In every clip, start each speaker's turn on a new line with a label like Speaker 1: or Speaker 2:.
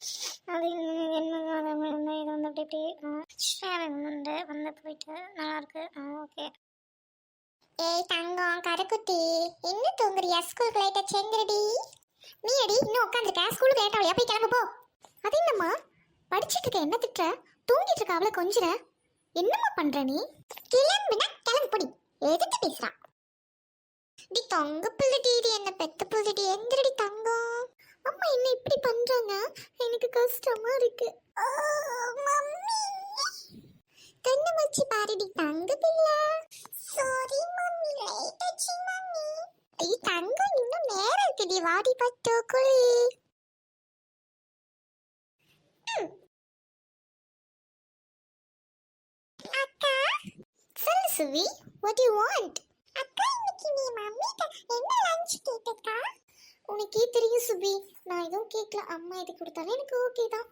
Speaker 1: அது என்ன இது வந்து அப்படி இப்படி ஷேரிங் வந்து போயிட்டு நல்லாயிருக்கு. ஓகே. ஏய் தங்கம் கருக்குட்டி, இன்னும் தூங்குறியா? ஸ்கூலுக்கு லேட்டா செஞ்சிருடி. நீ அடி இன்னும் உட்காந்துருக்க, ஸ்கூலுக்கு லேட்டா வழியா போய் கிளம்பு போ. அது என்னம்மா படிச்சுட்டு இருக்க, என்ன திட்டுற? தூங்கிட்டு இருக்க அவளை கொஞ்சிற, என்னம்மா பண்ற நீ? கிளம்புனா கிளம்பு பொடி, எதுக்கு பேசுறா? டி தங்க பிள்ளைடி, இது என்ன பெத்த பிள்ளைடி, எந்திரடி தங்கம். அம்மா என்ன இப்படி பண்றாங்க, எனக்கு கஷ்டமா இருக்கு. மம்மி கண்ணு வச்சு பாருடி தங்க பிள்ளை. சாரி மம்மி, லேட் ஆச்சு மம்மி. ஐ தங்கம் இன்னும் நேரம் இருக்குடி, வாடி பட்டோ குளி. அக்கா சொல்லு சுவி, what do you want? அக்கா இன்னைக்கு நீ மம்மிட்ட என்ன லஞ்ச் கேட்டக்கா? உனக்கே தெரியும் சுபி, நான் எதுவும் கேட்கல. அம்மா எது கொடுத்தாலும் எனக்கு ஓகே தான்.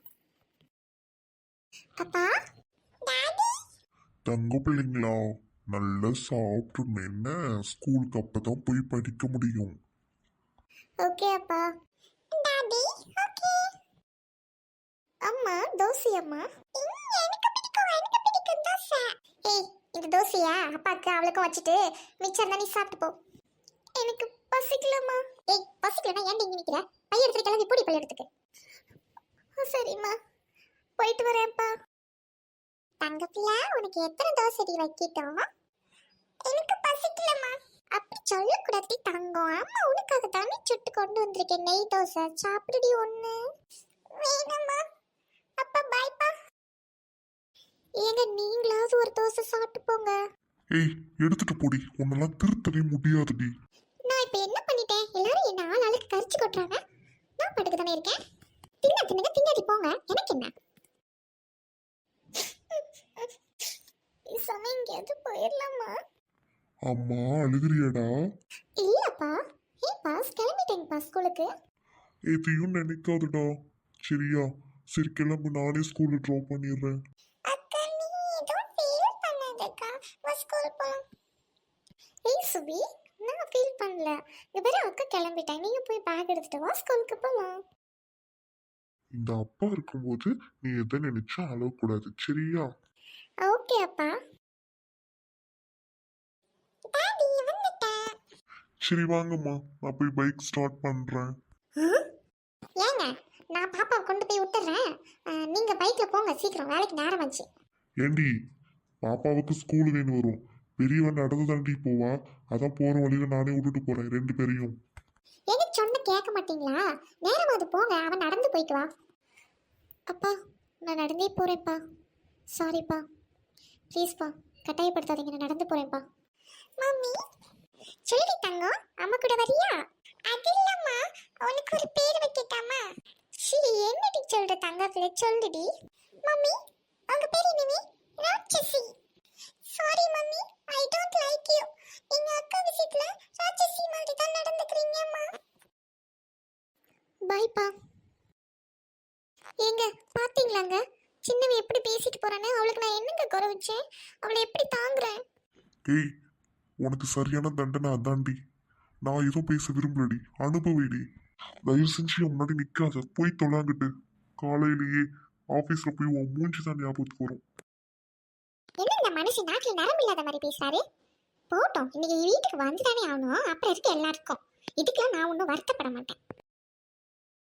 Speaker 1: அப்பா டாடி.
Speaker 2: தங்க பிள்ளைங்களா, நல்லா சாப்பிட்டு என்ன ஸ்கூலுக்கு அப்பதான் போய் படிக்க முடியும்.
Speaker 1: ஓகே அப்பா. Daddy okay. அம்மா தோசை. அம்மா எனக்கு பிடிக்கும் தோசை. ஏய் இந்த தோசையா அப்பாக்கு அவளுக்கும் வச்சுட்டு மிச்சம் தான் நீ சாப்பிட்டு போ. எனக்கு பசிக்கலம்மா. ஏய் பசிக்கலன்னா ஏன் இங்க நிக்கிற? பைய எடுத்து கிளம்பி போடி பள்ளியிடத்துக்கு. சரிம்மா போயிட்டு வரேன்ப்பா. தங்கப்பிள்ளை உனக்கு எத்தனை தோசை வைக்கிட்டோம்? எனக்கு பசிக்கலம்மா. அப்படி சொல்லக்கூடாது தங்கம், அம்மா உனக்காக தானே சுட்டு கொண்டு வந்திருக்கேன் நெய் தோசை, சாப்பிடுடி ஒண்ணு. வேணாம்மா. அப்பா பாய்ப்பா. ஏங்க நீங்களாவது ஒரு தோசை சாப்பிட்டு போங்க.
Speaker 2: ஏய் எடுத்துட்டு போடி, உன்னெல்லாம் திருத்தவே முடியாதுடி.
Speaker 1: நான் இப்ப என்ன பண்ணிட்டேன்? எல்லாரும் என்ன ஆளுக்கு கரிச்சு கொட்டுறாங்க, நான் படுக்க தானே இருக்கேன். தின்னுங்க தின்னாடி போங்க, எனக்கு என்ன? சமயம் எங்கேயாவது போயிடலாமா?
Speaker 2: அம்மா அழுகிறியாடா?
Speaker 1: இல்லப்பா. ஏன் பாஸ் கிளம்பிட்டேங்கப்பா ஸ்கூலுக்கு.
Speaker 2: எதையும் நினைக்காதுடா சரியா? சரி கிளம்பு, நானே ஸ்கூல்ல ட்ராப் பண்ணிடுறேன்.
Speaker 1: அக்கா நீ ஏதோ ஃபீல் பண்ணாதக்கா, வா ஸ்கூல் போலாம். ஏய் சுபி, நான் ஃபீல் பண்ணல. இங்க பாரு அக்கா கிளம்பிட்டேன், நீங்க போய் பேக் எடுத்துட்டு வா, ஸ்கூலுக்கு போலாம்.
Speaker 2: இந்த அப்பா இருக்கும்போது நீ எதை நினைச்சா அழக்கூடாது சரியா?
Speaker 1: ஓகே அப்பா. டாடி வந்துட்டேன்.
Speaker 2: சரி வாங்கம்மா, நான் போய் பைக் ஸ்டார்ட் பண்றேன்.
Speaker 1: ஏங்க நான் பாப்பாவை கொண்டு போய் விட்டுறேன், நீங்க பைக்ல போங்க, சீக்கிரம் வேலைக்கு நேரம் ஆச்சு.
Speaker 2: ஏண்டி பாப்பாவுக்கு ஸ்கூல் வேணும் வரும், பெரியவன் நடந்து தாண்டி போவா, அதான் போற வழியில நானே விட்டுட்டு போறேன் ரெண்டு பேரையும்.
Speaker 1: எனக்கு சொன்ன கேட்க மாட்டீங்களா? நேரமாவது போங்க, அவன் நடந்து போயிட்டு வா. அப்பா நான் நடந்தே போறேன்ப்பா. சாரிப்பா, ப்ளீஸ்ப்பா கட்டாயப்படுத்தாதீங்க, நான் நடந்து போறேன்ப்பா. மம்மி சொல்லி தங்கம், அம்மா கூட வரியா? அது இல்லம்மா, உனக்கு ஒரு பேர் வைக்கட்டாமா? சரி என்னடி சொல்ற தங்கத்துல, சொல்லுடி. மம்மி உங்க பேர் என்னவி? ராட்சசி. Sorry mummy, I don't like you. எங்க அக்கா விஷயத்துல ராட்சசி மாதிரி தான் நடந்துக்கிறீங்கம்மா. பைப்பா. ஏங்க பாத்தீங்களாங்க சின்னவி எப்படி பேசிட்டு போறானே? அவளுக்கு நான் என்னங்க குறை வச்சேன்? அவளை எப்படி தாங்குறேன்?
Speaker 2: ஏய் உனக்கு சரியான தண்டனை அதாண்டி. நான் எதுவும் பேச விரும்பலடி, அனுபவிடி. தயவு செஞ்சு என் முன்னாடி நிக்காத, போய் தொலாங்கிட்டு. காலையிலேயே ஆபீஸ்ல போய் உன் மூஞ்சி தான் ஞாபகத்துக்கு வரும்.
Speaker 1: என்ன இந்த மனுஷன் நாட்டில் நரம்பு இல்லாத மாதிரி பேசுறாரு? போட்டோம், இன்னைக்கு வீட்டுக்கு வந்துதானே ஆகணும், அப்புறம் இருக்கு எல்லாருக்கும். இதுக்கெல்லாம் நான் ஒன்றும் வருத்தப்பட மாட்டேன்.